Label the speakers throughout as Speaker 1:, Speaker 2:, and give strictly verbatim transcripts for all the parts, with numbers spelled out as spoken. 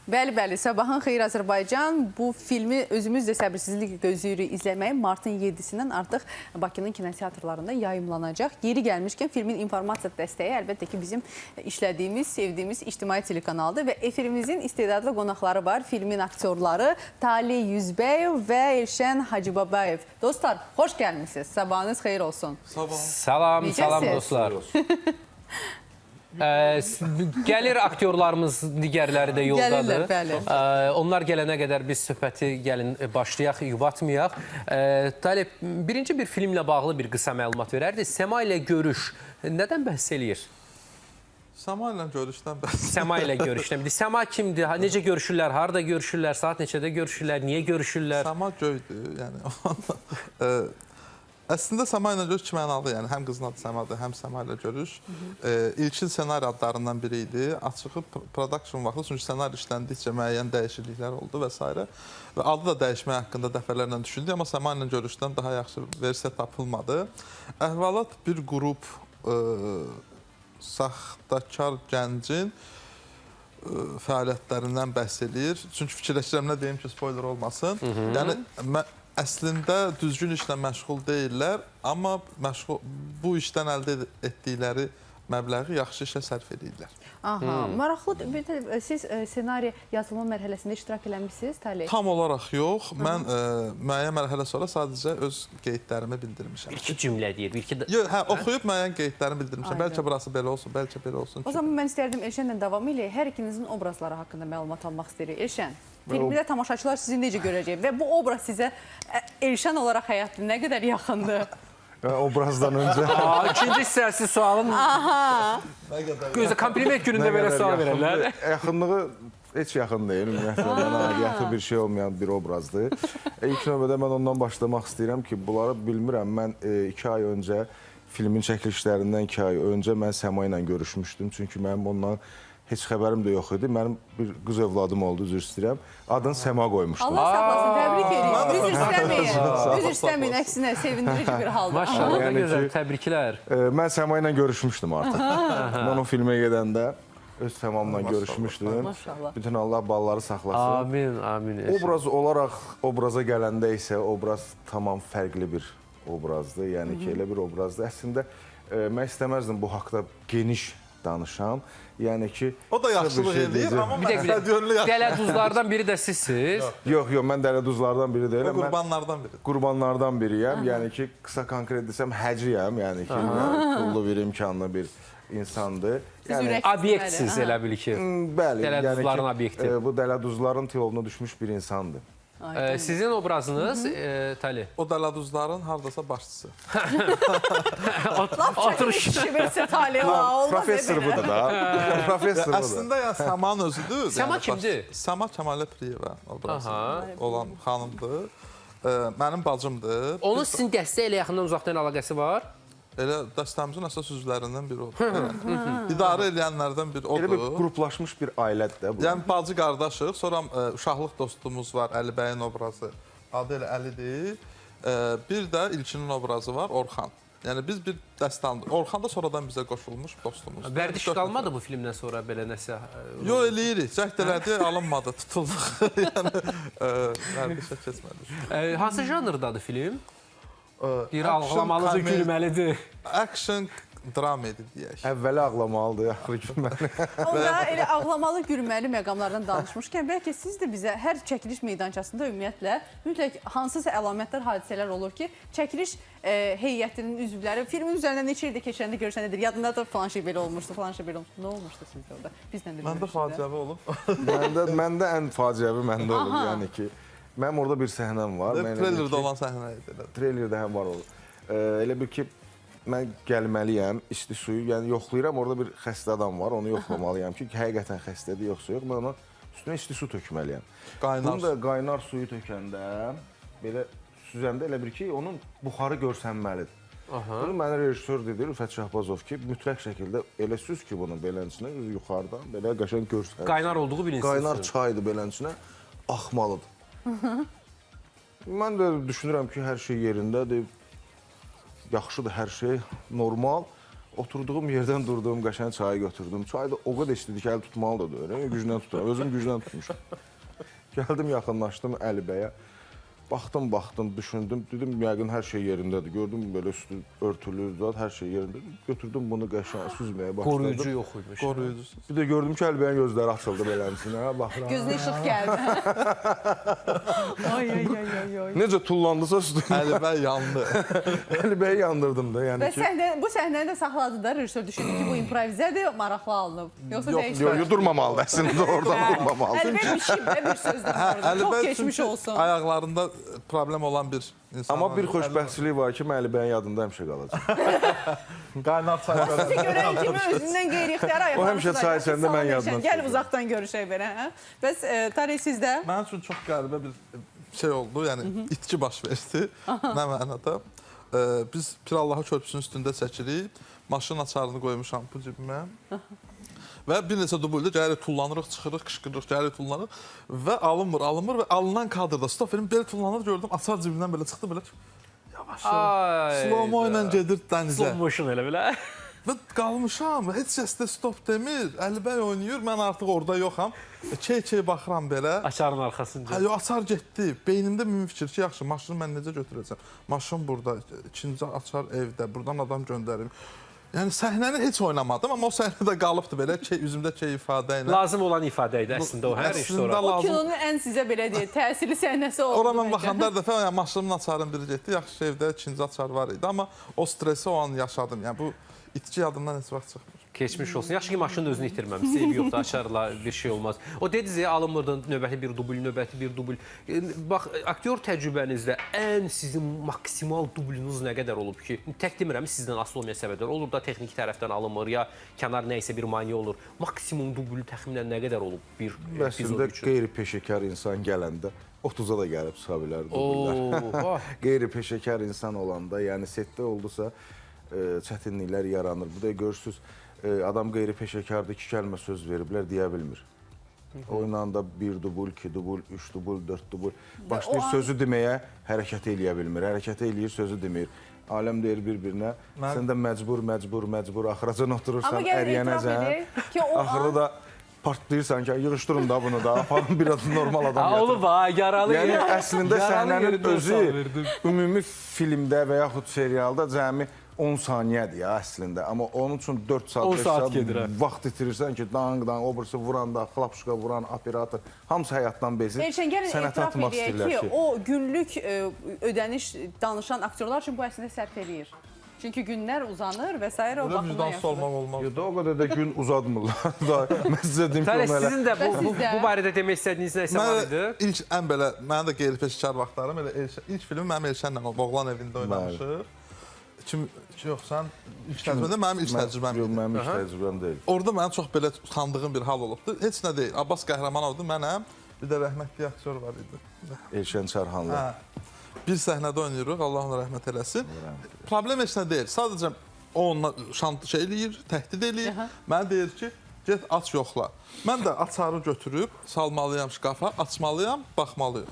Speaker 1: Bəli, bəli. Sabahın xeyir Azərbaycan. Bu filmi özümüz də səbirsizliklə gözləyirik izləməyi. Martın yedisindən artıq Bakının kinoteatrlarında yayımlanacaq. Yeri gəlmişkən filmin informasiya dəstəyi əlbəttə ki, bizim işlədiyimiz, sevdiyimiz ictimai telekanaldır və efirimizin istedadlı qonaqları var. Filmin aktyorları Talih Yüzbəyev və Elşən Hacıbabayev. Dostlar, xoş gəlmişsiniz. Sabahınız xeyir olsun.
Speaker 2: Sabah.
Speaker 3: Salam,
Speaker 1: Necəsiz?
Speaker 3: salam dostlar. Ə, gəlir aktyorlarımız, digərləri də yoldadır.
Speaker 1: Gəlirlər, bəli.
Speaker 3: Ə, onlar gələnə qədər biz söhbəti gəlin başlayaq, yubatmayaq. Ə, Talib, birinci bir filmlə bağlı bir qısa məlumat verərdi. Səma ilə görüş nədən bəhs eləyir?
Speaker 2: Səma ilə görüşdən bəhs.
Speaker 3: Səma ilə görüşdən. Səma kimdir? Necə görüşürlər? Harada görüşürlər? Saat neçədə görüşürlər? Niyə görüşürlər?
Speaker 2: Səma göydür. Yəni, əslində Səma ilə görüş iki mənalı, yəni həm qızın adı Səmadır, həm Səma ilə görüş. E, İlkin ssenari adlarından biri idi. Açığı production vaxtı, çünki ssenari işləndikcə müəyyən dəyişikliklər oldu və s. Və adı da dəyişmək haqqında dəfələrlə düşündü, amma Səma ilə görüşdən daha yaxşı versiya tapılmadı. Əhvalat bir qrup e, saxtakar gəncin e, fəaliyyətlərindən bəhs eləyir. Çünki fikirləşirəm nə deyim ki, spoiler olmasın. Hı -hı. Yəni, əslində düzgün işlə məşğul deyirlər, amma məşğul, bu işdən əldə etdikləri məbləği yaxşı işə sərf edirlər.
Speaker 1: Aha, hmm. maraqlıdır. Siz ssenari yazılma mərhələsində iştirak eləmişsiniz, Talih?
Speaker 2: Tam olaraq yox. Mən ə, müəyyən mərhələ sonra sadəcə öz qeydlərimi bildirmişəm.
Speaker 3: İki cümlə deyir. Bir iki...
Speaker 2: Yox, hə, oxuyub müəyyən qeydlərimi bildirmişəm. Aynen. Bəlkə burası belə olsun, bəlkə belə olsun.
Speaker 1: O zaman mən istərdim Elşənlə davam eləyək. Hər ikinizin obrazları haqqında məlumat almaq istəyirik. Elşən, filmdə tamaşaçılar sizi necə görəcək və bu obraz sizə Elşən olaraq həyatda nə qədər yaxındır?
Speaker 4: Obrazdan öncə.
Speaker 3: İkinci hissəsi sualın... Aha! Gözlə, kompliment günündə belə sual verərlər.
Speaker 4: Yaxınlığı heç yaxın deyil. Ümumiyyətlə, mənə aidiyyatı bir şey olmayan bir obrazdır. İlk növbədə mən ondan başlamaq istəyirəm ki, bunları bilmirəm. Mən iki ay öncə, filmin çəkilişlərindən iki ay öncə mən Səma ilə görüşmüşdüm. Çünki mənim ondan heç xəbərim də yox idi. Mənim bir qız övladım oldu, üzr istəyirəm. Adını Səma qoymuşdum.
Speaker 1: Allah saxlasın, təbrik edirəm. Üzr istəməyin. Üzr istəməyin, əksinə sevindirici bir halda.
Speaker 3: Maşallah, nə gözəl, təbriklər.
Speaker 4: Mən Səma ilə görüşmüşdüm artıq. Mən o filmə gedəndə öz Səmamla görüşmüşdüm.
Speaker 1: Maşallah.
Speaker 4: Bütün Allah balları saxlasın.
Speaker 3: Amin, amin.
Speaker 4: Obraz olaraq obraza gələndə isə obraz tamam fərqli bir obrazdır. Yəni ki, elə bir obrazdır. Əslində, mən istəməzdim bu haqda geniş danışam. Yəni ki...
Speaker 2: O da yaxşılıq şey edir, amma mən yönlü yaxşı.
Speaker 3: Dələduzlardan biri də sizsiz.
Speaker 4: Yox, yox, mən dələduzlardan biri deyiləm.
Speaker 2: O qurbanlardan biri.
Speaker 4: Qurbanlardan biriyəm. Yəni ki, qısa konkret desəm, həciyəm. Yəni ki, pullu bir, imkanlı bir insandır.
Speaker 1: Yəni,
Speaker 3: obyektsiz elə bil ki.
Speaker 4: Bəli.
Speaker 3: Dələduzların obyekti.
Speaker 4: Bu dələduzların tilovuna düşmüş bir insandır.
Speaker 3: Sizin obrazınız, Talih?
Speaker 2: O dələduzların haradasa başçısı.
Speaker 1: Oturuş. Versə Talih, olmaz.
Speaker 4: Professor budur da. Professor budur.
Speaker 2: Əslində, yəni, Səmanın özüdür.
Speaker 3: Səma kimdir?
Speaker 2: Səma Kəmalə Piriyeva obrazı olan xanımdır. Mənim bacımdır.
Speaker 3: Onun sizin dəstə ilə yaxından uzaqdan əlaqəsi var?
Speaker 2: Elə dəstəmizin əsas üzvlərindən biri odur. İdarə edənlərdən biri odur.
Speaker 4: Elə bir qruplaşmış bir ailədir də bu.
Speaker 2: Yəni, bacı qardaşıq. Sonra uşaqlıq dostumuz var, Əli bəyin obrazı. Adı elə Əlidir. Bir də İlkinin obrazı var, Orxan. Yəni, biz bir dəstəmdir. Orxan da sonradan bizə qoşulmuş dostumuzdur.
Speaker 3: Vərdiş qalmadı bu filmdən sonra belə nəsə?
Speaker 2: Yox, eləyirik. Cəhd elədi, alınmadı, tutulduq. Yəni, vərdişə keçmədik.
Speaker 3: Hansı janrdadır film? Bir ağlamalıdır, gülməlidir.
Speaker 2: Action dramedi deyək.
Speaker 4: Əvvəli ağlamalıdır, axırı gülməli.
Speaker 1: Onda elə ağlamalı, gülməli məqamlardan danışmışkən, bəlkə siz də bizə hər çəkiliş meydançasında ümumiyyətlə mütləq hansısa əlamətlər, hadisələr olur ki, çəkiliş heyətinin üzvləri filmin üzərindən neçə ildə keçəndə görüşənədir. Yadında da falan şey belə olmuşdu, falan şey belə olmuşdu. Nə olmuşdu sizdə orada? Bizdən də
Speaker 2: Məndə faciəvi olub.
Speaker 4: Məndə ən faciəvi məndə olub, yəni ki, mənim orada bir səhnəm var.
Speaker 2: Trailerdə olan səhnə idi.
Speaker 4: Trailerdə həm var olur. Elə bir ki, mən gəlməliyəm, isti suyu, yəni yoxlayıram, orada bir xəstə adam var, onu yoxlamalıyam ki, həqiqətən xəstədir, yoxsa yox, mən ona üstünə isti su tökməliyəm.
Speaker 2: Qaynar.
Speaker 4: Bunu da qaynar suyu tökəndə, belə süzəndə elə bir ki, onun buxarı görsənməlidir. Bunu mənə rejissor dedi, Rüfət Şahbazov ki, mütləq şəkildə elə süz ki, bunu belənçinə, yuxarıdan, belə qəşəng görsənir.
Speaker 3: Qaynar olduğu bilinsin.
Speaker 4: Qaynar çaydır belənçinə, axmalıdır. Mən də düşünürəm ki, hər şey yerindədir, yaxşıdır hər şey, normal. oturduğum yerdən durduğum qəşəng çayı götürdüm. Çay da o qədər istedi ki, əl tutmalı da deyir. Güclə tuturam. Özüm güclə tutmuşam. Gəldim, yaxınlaşdım Əlibəyə. Baxdım, baxdım, düşündüm. Dedim, yəqin hər şey yerindədir. Gördüm, belə üstü örtülü, zat, hər şey yerindədir. Götürdüm bunu qəşəng süzməyə başladım.
Speaker 3: Qoruyucu yox imiş.
Speaker 2: Qoruyucusunuz.
Speaker 4: Bir də gördüm ki, Əlibəyin gözləri açıldı beləmsinə. Baxıram.
Speaker 1: Gözünə işıq gəldi. Ay, ay, ay, ay, ay.
Speaker 4: Necə tullandısa üstüm.
Speaker 2: Əlibəy yandı.
Speaker 4: Əlibəyi yandırdım da. Yəni
Speaker 1: Və
Speaker 4: ki,
Speaker 1: səhlə, bu səhnəni də saxladı da rejissor düşündü ki, bu improvizədir, maraqlı alınıb. Yoxsa
Speaker 2: Yox,
Speaker 1: dəyişmir.
Speaker 4: yox, yox, durmamalıdır əslində, oradan durmamalıdır.
Speaker 1: Əlbəttə biçim də bir sözdür orada. Çox
Speaker 2: Əlibəy
Speaker 1: keçmiş
Speaker 2: çünki
Speaker 1: olsun.
Speaker 2: ayaqlarında problem olan bir insan.
Speaker 4: Amma bir xoşbəxtçilik var ki, mən Əlibəyin yadında həmişə qalacaq.
Speaker 2: Qaynar çay
Speaker 1: Sizi görən kimi özündən qeyri-ixtiyari
Speaker 4: O həmişə çay içəndə mən yadına
Speaker 1: Gəl
Speaker 4: düşürəm.
Speaker 1: uzaqdan görüşək belə. Hə? Bəs e, Tarih sizdə?
Speaker 2: Mənim üçün çox qəribə bir şey oldu. Yəni itki baş verdi. Nə mənada? Ee, biz Pirallahı körpüsünün üstündə çəkirik. Maşın açarını qoymuşam bu cibimə. Və bir neçə dubulda gəlirik, tullanırıq, çıxırıq, qışqırırıq, gəlirik, tullanırıq və alınmır, alınmır və alınan kadrda stop verim, belə tullanır, gördüm, açar cibindən belə çıxdı, belə yavaş yavaş, slow-mo ilə gedir dənizə.
Speaker 3: Slow motion elə belə.
Speaker 2: Və qalmışam, heç kəs də stop demir, Əlibəy oynayır, mən artıq orada yoxam, key-key baxıram belə.
Speaker 3: Açarın arxasınca.
Speaker 2: Hə, yo, açar getdi, beynimdə mühüm fikir ki, yaxşı, maşını mən necə götürəcəm? Maşın burada, ikinci açar evdə, buradan adam göndərim. Yəni səhnəni heç oynamadım, amma o səhnədə qalıbdı belə key, üzümdə key ifadə ilə.
Speaker 3: Lazım olan ifadə idi əslində o hər iş sonra.
Speaker 1: O kinonun ən sizə belə deyək, təsirli səhnəsi oldu.
Speaker 2: Ora mən baxanda hər dəfə yəni, maşınımın açarım biri getdi, yaxşı evdə ikinci açar var idi, amma o stresi o an yaşadım. Yəni bu itki yadımdan heç vaxt çıxmır.
Speaker 3: Keçmiş olsun. Yaxşı ki, maşının özünü itirməmiş. Eybi yoxdur, açarla bir şey olmaz. O dediniz ya, alınmırdı növbəti bir dubl, növbəti bir dubl. Bax, aktyor təcrübənizdə ən sizin maksimal dublünüz nə qədər olub ki, tək demirəm, sizdən asılı olmayan səbəblər olur da, texniki tərəfdən alınmır, ya kənar nəysə bir mane olur. Maksimum dubl təxminən nə qədər olub bir epizod
Speaker 4: Əslində
Speaker 3: üçün?
Speaker 4: qeyri-peşəkar insan gələndə otuza da gəlib çıxa bilər dubullar. Qeyri-peşəkar insan olanda, yəni setdə oldusa çətinliklər yaranır. Bu da görürsünüz, adam qeyri-peşəkardır, iki kəlmə söz veriblər, deyə bilmir. Oyla da bir dubul, iki dubul, üç dubul, dörd dubul. Başlayır sözü deməyə, hərəkət eləyə bilmir. Hərəkət eləyir, sözü demir. Aləm deyir bir-birinə, sən də məcbur, məcbur, məcbur, axıracan oturursan, əriyənəcən. Axırda da partlayırsan ki, yığışdırın da bunu da, aparın biraz normal adam gətirin.
Speaker 3: Olub ha, yaralı.
Speaker 4: Yəni əslində səhnənin özü ümumi filmdə və yaxud serialda cəmi on saniyədir ya əslində. Amma onun üçün dörd saat, beş saat vaxt itirirsən ki, dang-dang, obrisi vuranda, xlapşuka vuran, operator, hamısı həyatdan bezir.
Speaker 1: Elçən, gəlin
Speaker 4: Sənətə
Speaker 1: etiraf
Speaker 4: atmaq
Speaker 1: edək
Speaker 4: istəyirlər
Speaker 1: ki,
Speaker 4: ki,
Speaker 1: o günlük e, ödəniş danışan aktyorlar üçün bu əslində sərf eləyir. Çünki günlər uzanır və s. o
Speaker 2: Öyle
Speaker 1: baxımdan
Speaker 2: vicdansız
Speaker 1: yaşanır.
Speaker 2: olmaq olmaz.
Speaker 4: Ya da o qədər də gün uzatmırlar da. Mən sizə deyim ki,
Speaker 3: Tələ,
Speaker 4: onu elə...
Speaker 3: sizin də bu, bu,
Speaker 1: sizdə?
Speaker 3: bu barədə demək istədiyiniz nəsə var idi?
Speaker 2: Mən ilk ən belə, mənim də qeyri-peşəkar vaxtlarım, elə Elşən, ilk filmi mənim Elşənlə olub, oğlan evində oynamışıq. Kim, yox, sən ilk təcrübədə mənim ilk təcrübəm
Speaker 4: Yox,
Speaker 2: idi.
Speaker 4: mənim ilk təcrübəm deyil.
Speaker 2: Orada mənim çox belə utandığım bir hal olubdu. Heç nə deyil. Abbas Qəhrəmanovdur, mənəm. Bir də rəhmətli aktyor var idi.
Speaker 4: Elşən Çarxanlı.
Speaker 2: Hə. Bir səhnədə oynayırıq, Allah ona rəhmət eləsin. Problem heç nə deyil. Sadəcə o onunla şant şey eləyir, təhdid eləyir. Mənə deyir ki, get aç yoxla. Mən də açarı götürüb salmalıyam şkafa, açmalıyam, baxmalıyam.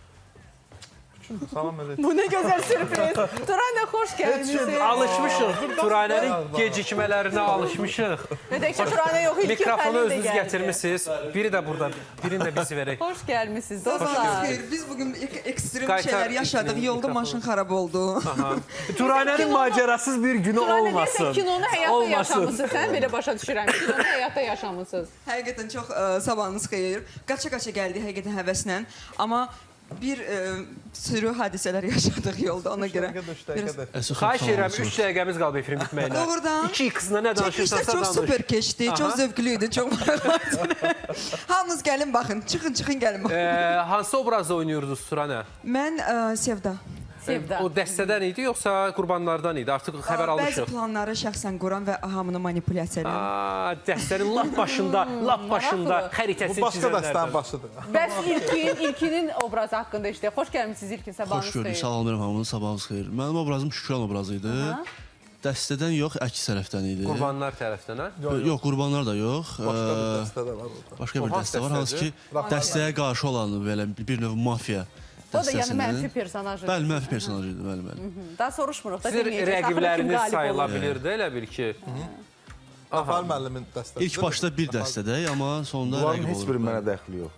Speaker 2: Salam əleykum.
Speaker 1: Bu nə gözəl sürpriz. Turanə, xoş gəlmişsiniz.
Speaker 3: Alışmışıq, Turanənin gecikmələrinə alışmışıq.
Speaker 1: Dedək ki, Turanə yox, ilk
Speaker 3: Mikrofonu
Speaker 1: Fərid də
Speaker 3: özünüz
Speaker 1: gəldi.
Speaker 3: gətirmişsiniz. Biri də burada, birini də biz verək.
Speaker 1: Xoş gəlmişsiniz
Speaker 5: Dostlar,
Speaker 1: dostlar.
Speaker 5: xeyr, biz bugün ek- ekstrem
Speaker 3: Qaytar
Speaker 5: şeyler yaşadık.
Speaker 3: mikrofonu.
Speaker 5: Yolda maşın xarab oldu.
Speaker 3: Turanənin macerasız bir günü
Speaker 1: Turanə,
Speaker 3: olmasın.
Speaker 1: deyəsən kinonu həyatda
Speaker 3: Olmasın.
Speaker 1: yaşamısınız. Sən belə başa düşürəm. Kinonu həyatda yaşamısınız.
Speaker 5: Həqiqətən çox ə, sabahınız xeyir. Qaça-qaça gəldik həqiqətən həvəslə. Amma bir ə, sürü hadisələr yaşadıq yolda ona görə. Biraz-
Speaker 3: Xahiş edirəm, üç dəqiqəmiz qalıb efrin bitməyinə.
Speaker 5: Doğrudan.
Speaker 3: İki qızına nə danışırsansa
Speaker 5: Çəkilişlər çox
Speaker 3: danış.
Speaker 5: super keçdi, çox zövqlü idi, çox maraqlı. Hamınız gəlin baxın, çıxın, çıxın gəlin baxın.
Speaker 3: Ee, hansı obrazda oynuyordunuz Turanə?
Speaker 5: Mən ə, Sevda.
Speaker 1: Sevda.
Speaker 3: O dəstədən idi, yoxsa qurbanlardan idi? Artıq xəbər
Speaker 5: Bəzi
Speaker 3: almışıq.
Speaker 5: planları şəxsən quran və hamını manipulyasiya edirəm.
Speaker 3: Aa, dəstənin lap başında, lap başında
Speaker 1: maraqlı.
Speaker 2: Bu
Speaker 3: xəritəsini
Speaker 2: başqa dəstənin
Speaker 3: çizənlərdən.
Speaker 2: başıdır.
Speaker 1: Bəs İlkin, İlkinin obrazı haqqında işdə. Xoş gəlmişsiniz İlkin, sabahınız
Speaker 6: Xoş gördük,
Speaker 1: xeyir.
Speaker 6: salamlayıram hamını, sabahınız xeyir. Mənim obrazım Şükran obrazı idi. Dəstədən yox, əks tərəfdən idi.
Speaker 3: Qurbanlar tərəfdən, hə?
Speaker 6: Yox, qurbanlar da yox.
Speaker 2: Başqa bir
Speaker 6: Ee,
Speaker 2: dəstə də var orada.
Speaker 6: Başqa
Speaker 3: O
Speaker 6: bir
Speaker 3: hansı
Speaker 6: dəstə var, hansı ki,
Speaker 2: dəstədir?
Speaker 6: dəstəyə qarşı olan belə bir növ mafiya
Speaker 1: O da yəni
Speaker 6: dəstəsinin.
Speaker 1: mənfi personaj idi.
Speaker 6: Bəli, mənfi personaj idi, bəli, bəli.
Speaker 1: Daha soruşmuruq da
Speaker 3: Sizin
Speaker 1: deməyəcək.
Speaker 3: rəqibləriniz sayıla bilirdi, elə bil ki.
Speaker 2: Qafarlı müəllimin dəstəsi.
Speaker 6: İlk başda bir dəstədəyik, amma sonunda
Speaker 4: Bunların
Speaker 6: rəqib
Speaker 4: heç
Speaker 6: olur.
Speaker 4: biri mənə dəxli yox.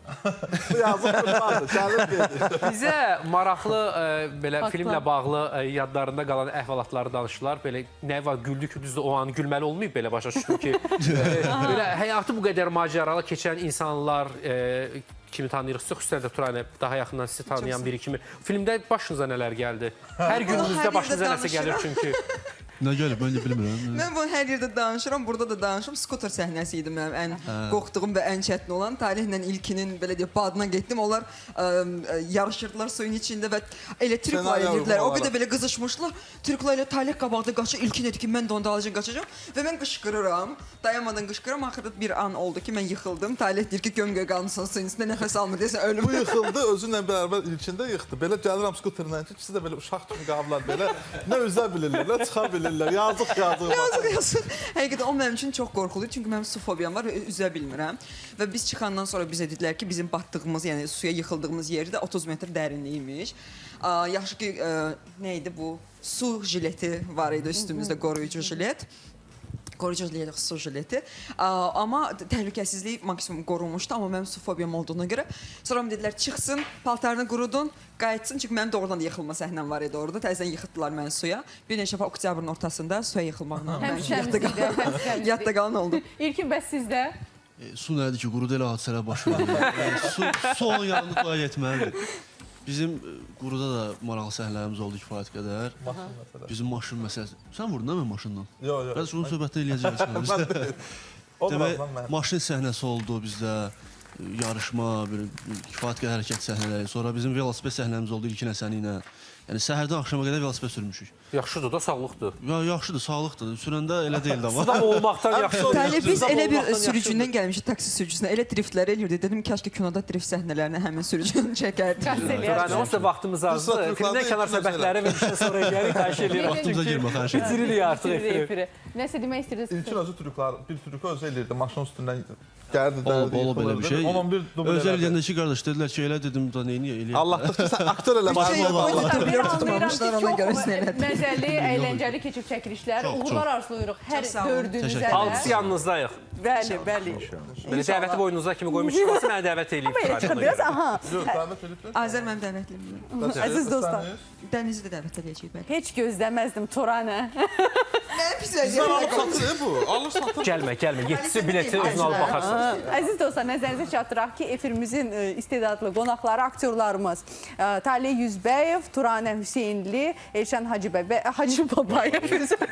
Speaker 2: Yazıq vardı, gəlib dedi.
Speaker 3: Bizə maraqlı e, belə
Speaker 1: Faktlar.
Speaker 3: filmlə bağlı e, yadlarında qalan əhvalatları danışdılar. Belə nə var, güldük, düzdür, o an gülməli olmayıb belə başa düşdüm ki. e, belə həyatı bu qədər macəralı keçən insanlar e, kimi tanıyırıqsa, xüsusən də Turanə daha yaxından sizi tanıyan biri kimi. Filmdə başınıza nələr gəldi? Hər gününüzdə
Speaker 5: hər
Speaker 3: başınıza
Speaker 5: yerdə
Speaker 3: nəsə gəlir çünki.
Speaker 6: Nə gəlib, mən də bilmirəm.
Speaker 5: Mən bunu hər yerdə danışıram, burada da danışıram. Skuter səhnəsi idi mənim ən qorxduğum və ən çətin olan. Talihlə ilkinin belə deyək badına getdim. Onlar ə, ə, yarışırdılar suyun içində və elə trikla
Speaker 2: Senaryo
Speaker 5: edirdilər. O
Speaker 2: uyğun
Speaker 5: qədər belə qızışmışlar. Trikla ilə Talih qabaqda qaçır. İlkin dedi ki, mən də onda alacağam, qaçacağam və mən qışqırıram. Dayanmadan qışqırıram. Axırda bir an oldu ki, mən yıxıldım. Talih deyir ki, göm-göy qalmısan suyun içində, nəfəs almır desən ölüm.
Speaker 2: Bu yıxıldı, özünlə bərabər ilkində yıxdı. Belə gəlirəm skuterlə ki, ikisi də belə uşaq kimi qablar belə. Nə üzə bilirlər, nə çıxa bilirlər. Yazıq, yazıq.
Speaker 5: Yazıq, yazıq. Həqiqətən o mənim üçün çox qorxuludur. Çünki mənim su fobiyam var və üzə bilmirəm. Və biz çıxandan sonra bizə dedilər ki, bizim batdığımız, yəni suya yıxıldığımız yerdə otuz metr dərinliymiş. Aa, yaxşı ki, ə, nə idi bu? Su jileti var idi üstümüzdə, qoruyucu jilet. Qoruyucu jilet, su jileti. Aa, amma təhlükəsizlik maksimum qorunmuşdu, amma mənim su fobiyam olduğuna görə. Sonra dedilər çıxsın, paltarını qurudun, qayıtsın. Çünki mənim doğrudan da yıxılma səhnəm var idi orada. Təzədən yıxıtdılar məni suya. Bir neçə dəfə oktyabrın ortasında suya yıxılmaqla
Speaker 1: Həm
Speaker 5: mən yadda
Speaker 1: şəmsiz
Speaker 5: qalan,
Speaker 1: həm şəmsiz.
Speaker 5: yadda qalan oldu.
Speaker 1: İlkin bəs sizdə?
Speaker 6: E, su nədir ki, quruda elə hadisələr baş verir. Yəni, su, su onun yanında toya getməlidir. Bizim e, quruda da maraqlı səhnələrimiz oldu kifayət qədər. Bizim maşın məsələsi. Sən vurdun da mən maşından?
Speaker 2: Yox, yox.
Speaker 6: Bəs onun söhbətdə eləyəcəyik. Demək, maşın səhnəsi oldu bizdə. e, Yarışma, bir kifayət qədər hərəkət səhnələri. Sonra bizim velosiped səhnəmiz oldu İlkin Həsəni ilə. Yəni səhərdən axşama qədər velosiped sürmüşük.
Speaker 3: Yaxşıdır da, sağlıqdır.
Speaker 6: Ya yaxşıdır, sağlıqdır. Sürəndə elə deyildi amma.
Speaker 3: Suda olmaqdan yaxşıdır.
Speaker 5: Təli biz
Speaker 3: Suda
Speaker 5: elə bir
Speaker 3: olmaqdan
Speaker 5: sürücündən gəlmişik, taksi sürücüsünə. Elə driftlər eləyirdi. Dedim kaş ki kinoda drift səhnələrini həmin sürücünün çəkərdi.
Speaker 3: Yəni, onsuz da vaxtımız azdır. Filmdən kənar söhbətləri və işdən sonra eləyərik, xahiş edirəm.
Speaker 6: Vaxtımıza girmə, xahiş edirəm.
Speaker 3: Bitiririk artıq efiri.
Speaker 1: Nəsə demək istəyirsiniz?
Speaker 2: İlkin özü trüklər, bir trükü özü eləyirdi, maşın üstündən gəldi,
Speaker 6: Olub,
Speaker 2: dərdi,
Speaker 6: olub belə bir şey.
Speaker 2: on on bir dubl
Speaker 6: Özəl
Speaker 2: elədi.
Speaker 6: eləyəndə ki, qardaş dedilər ki, elə dedim da neyini eləyək.
Speaker 2: Allahdır ki, sən aktör eləməlisən.
Speaker 5: Şey,
Speaker 2: Allah.
Speaker 5: o
Speaker 1: Bir
Speaker 5: Dubler
Speaker 1: anlayıram
Speaker 5: tutmamışlar,
Speaker 1: ki,
Speaker 5: ona görə
Speaker 1: çox
Speaker 5: sinirlədim.
Speaker 1: Məzəli, əyləncəli keçib çəkilişlər.
Speaker 6: Çox,
Speaker 1: Uğurlar
Speaker 6: çox.
Speaker 1: arzulayırıq hər
Speaker 5: Çox sağ olun.
Speaker 1: dördünüzə
Speaker 6: Təşəkkür
Speaker 1: də.
Speaker 3: Alqısı yanınızdayıq.
Speaker 1: Bəli, bəli.
Speaker 3: Belə dəvəti boynunuza kimi qoymuşuq, olsa mənə dəvət eləyib.
Speaker 1: Belə çıxır biraz, aha.
Speaker 2: Yox, dəvət ediblər.
Speaker 5: Azər mənim dəvətlimdir.
Speaker 1: Əziz dostlar,
Speaker 5: Dənizi də dəvət edəcəyik bəli.
Speaker 1: heç gözləməzdim Turanə.
Speaker 5: Mənim pis
Speaker 2: Sən alıb
Speaker 5: vəziyyətim.
Speaker 2: satır, e, bu. Alır satır.
Speaker 3: Gəlmə, gəlmə. Yetisi bileti özünə alıb baxarsan.
Speaker 1: Əziz dostlar, nəzərinizə çatdıraq ki, efirimizin e, istedadlı qonaqları, aktyorlarımız e, Talih Yüzbəyev, Turanə Hüseynli, Elşən Hacıbəbə, Hacı Babayev üzr.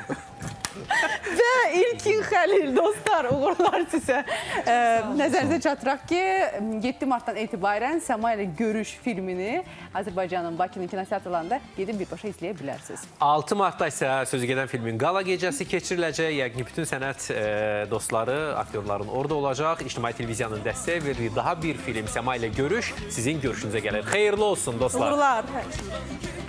Speaker 1: və İlkin Xəlil dostlar, uğurlar sizə. E, nəzərinizə çatdıraq ki, yeddi martdan etibarən Səma ilə Görüş filmini Azərbaycanın Bakının kinoteatrlarında gedib birbaşa izləyə bilərsiniz.
Speaker 3: altı martda isə sözü gedən filmin qala gecəsi keçiriləcək. Yəqin bütün sənət e, dostları, aktyorların orada olacaq. İctimai televiziyanın dəstəyi verir. Daha bir film Səma ilə Görüş sizin görüşünüzə gəlir. Xeyirli olsun dostlar.
Speaker 1: Uğurlar.